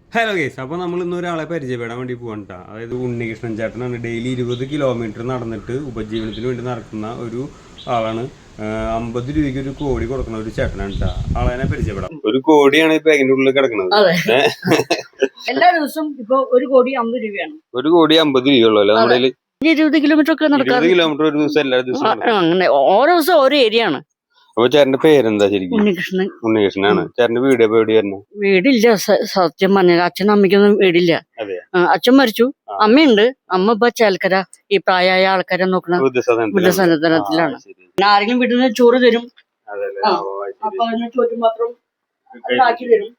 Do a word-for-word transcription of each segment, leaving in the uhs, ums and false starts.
Hello guys, അപ്പോൾ നമ്മൾ ഇന്ന് ഒരാളെ പരിചയപ്പെടാൻ വേണ്ടി പോകണം കേട്ടോ. അതായത് ഉണ്ണികൃഷ്ണൻ ചേട്ടനാണ്. ഡെയിലി ഇരുപത് കിലോമീറ്റർ നടന്നിട്ട് ഉപജീവനത്തിന് വേണ്ടി നടക്കുന്ന ഒരു ആളാണ്. അമ്പത് രൂപയ്ക്ക് ഒരു കോടി കൊടുക്കുന്ന ഒരു ചേട്ടനാണ് കേട്ടോ. ആളെ പരിചയപ്പെടാം. ഒരു കോടിയാണ് ഇപ്പൊ അതിന്റെ ഉള്ളിൽ കിടക്കുന്നത്. എല്ലാ ദിവസവും ഇപ്പൊ ഒരു കോടി അമ്പത് രൂപയാണ്. ഒരു കോടി അമ്പത് രൂപയുള്ളൂ അല്ലേ നമ്മുടെ ഇരുപത് കിലോമീറ്റർ ഒക്കെ നടക്കാം. കിലോമീറ്റർ ഒരു ദിവസം എല്ലാ ദിവസവും അങ്ങനെ ഓരോ ദിവസം ഓരോ ഏരിയ ആണ്. അപ്പൊ ചേട്ടന്റെ പേരെന്താ ശരിക്കും? ഉണ്ണികൃഷ്ണൻ. ഉണ്ണികൃഷ്ണനാണ്. ചേട്ടന്റെ വീട് എവിടെ വരുന്നു? വീടില്ല, സത്യം പറഞ്ഞാൽ അച്ഛനും അമ്മയ്ക്കൊന്നും വീടില്ല. അച്ഛൻ മരിച്ചു, അമ്മയുണ്ട്. അമ്മ ഇപ്പൊ ചേൽക്കര ഈ പ്രായമായ ആൾക്കാരെ നോക്കണ വൃദ്ധസദനത്തിലാണ്. പിന്നെ ആരെങ്കിലും വീട്ടിൽ നിന്ന് ചോറ് തരും, അപ്പൊ ചോറ്റും മാത്രം ആക്കി തരും.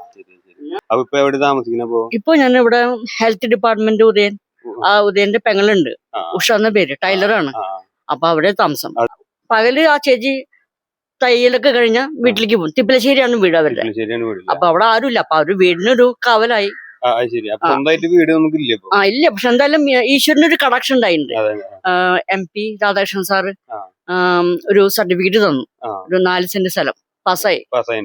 ഇപ്പൊ ഞാൻ ഇവിടെ ഹെൽത്ത് ഡിപ്പാർട്ട്മെന്റ് ഉദയൻ, ആ ഉദയന്റെ പെങ്ങളുണ്ട്, ഉഷ എന്ന പേര്, ടൈലറാണ്. അപ്പൊ അവിടെ താമസം. പകല് ആ ചേച്ചി തയ്യലൊക്കെ കഴിഞ്ഞ വീട്ടിലേക്ക് പോകും. തിപ്പലശ്ശേരിയാണ് വീട് അവരുടെ. അപ്പൊ അവിടെ ആരുമില്ല. അപ്പൊ അവര് വീടിനൊരു കാവലായി. ആ ഇല്ല, പക്ഷെ എന്തായാലും ഈശ്വരന് ഒരു കണക്ഷൻ ഉണ്ടായിട്ടുണ്ട്. എം പി രാധാകൃഷ്ണൻ സാറ് ഒരു സർട്ടിഫിക്കറ്റ് തന്നു, ഒരു നാല് സെന്റ് സ്ഥലം പാസ്സായി.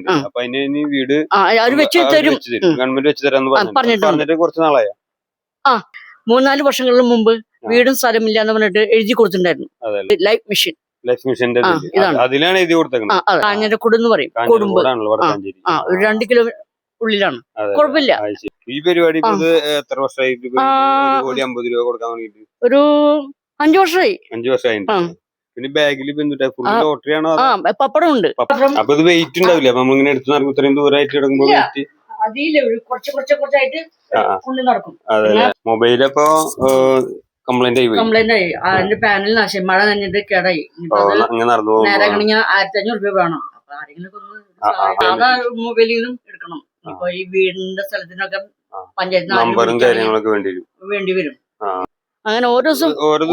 അവര് വെച്ച് തരും പറഞ്ഞിട്ടുണ്ട്. ആ മൂന്നാല് വർഷങ്ങൾക്ക് മുമ്പ് വീടും സ്ഥലമില്ല എന്ന് പറഞ്ഞിട്ട് എഴുതി കൊടുത്തിട്ടുണ്ടായിരുന്നു. ലൈഫ് മിഷൻ അതിലാണ് എഴുതി കൊടുത്തേക്കുന്നത്. കാഞ്ഞിരക്കുട് എന്ന് പറയും, കൊടുമ്പ്. ആ ഒരു രണ്ട് കിലോ ഉള്ളിലാണ്, കുഴപ്പമില്ല. ഈ പരിപാടി എത്ര വർഷമായിട്ട് അമ്പത് രൂപ കൊടുക്കാൻ വേണ്ടിട്ട്? ഒരു അഞ്ചു വർഷമായി. അഞ്ചു വർഷമായി. പിന്നെ ബാഗിൽ ലോട്ടറി ആണോ? പപ്പടം ഉണ്ട്. അപ്പൊ ഇത് വെയിറ്റ് ഉണ്ടാവില്ല? അപ്പൊ നമ്മളിങ്ങനെ എടുത്ത് നടക്കും, ഇത്രയും ദൂരമായിട്ട് കിടക്കുമ്പോ വെയിറ്റ് കുറച്ച് കുറച്ച് കുറച്ചായിട്ട് കൊണ്ട് നടക്കും. അതെ. മൊബൈലപ്പോ കംപ്ലൈന്റ് ആയി കംപ്ലൈന്റ് ആയി അതിന്റെ പാനൽ നാശം, മഴ നനഞ്ഞിട്ട് കേടായി. നേരെ കണിഞ്ഞ ആയിരത്തി അഞ്ഞൂറ് രൂപ വേണം. അപ്പൊ ആരെങ്കിലും ഒന്ന് സാധാ മൊബൈലിൽ നിന്നും എടുക്കണം. ഇപ്പൊ ഈ വീടിന്റെ സ്ഥലത്തിനൊക്കെ പഞ്ചായത്ത് വേണ്ടി വരും. അങ്ങനെ ഓരോ ദിവസം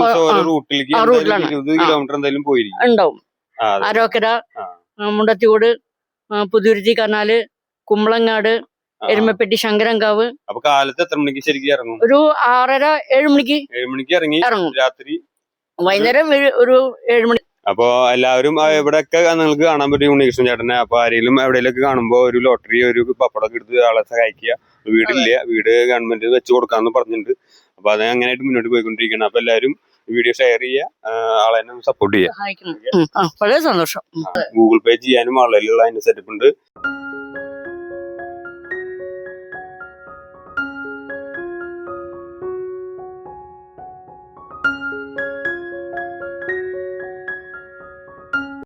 ഉണ്ടാവും. ആരോക്കര, മുണ്ടത്തിയോട്, പുതുരുത്തി കനാല്, കുമ്പളങ്ങാട്, എരുമപ്പെട്ടി, ശങ്കരങ്കാവ്. അപ്പൊ കാലത്ത് എത്ര മണിക്ക് ശരിക്കും ഇറങ്ങും? ഒരു ആറര ഏഴ് മണിക്ക് ഏഴ് മണിക്ക് ഇറങ്ങി ഇറങ്ങും. രാത്രി വൈകുന്നേരം ഒരു ഏഴ് മണി. അപ്പൊ എല്ലാവരും എവിടെയൊക്കെ നിങ്ങൾക്ക് കാണാൻ പറ്റും ഉണ്ണികൃഷ്ണൻ ചേട്ടനെ. അപ്പൊ ആരെങ്കിലും എവിടെയൊക്കെ കാണുമ്പോ ഒരു ലോട്ടറി, ഒരു പപ്പടമൊക്കെ എടുത്ത് ആളെ സഹായിക്കുക. വീടില്ല, വീട് ഗവൺമെന്റ് വെച്ച് കൊടുക്കാന്ന് പറഞ്ഞിട്ടുണ്ട്. അപ്പൊ അത് അങ്ങനെയായിട്ട് മുന്നോട്ട് പോയിക്കൊണ്ടിരിക്കണം. അപ്പൊ എല്ലാവരും വീഡിയോ ഷെയർ ചെയ്യുക, ആളെ സപ്പോർട്ട് ചെയ്യുക. വളരെ സന്തോഷം. ഗൂഗിൾ പേ ചെയ്യാനും ആളുകളുള്ള അതിന്റെ സെറ്റപ്പ് ഉണ്ട്.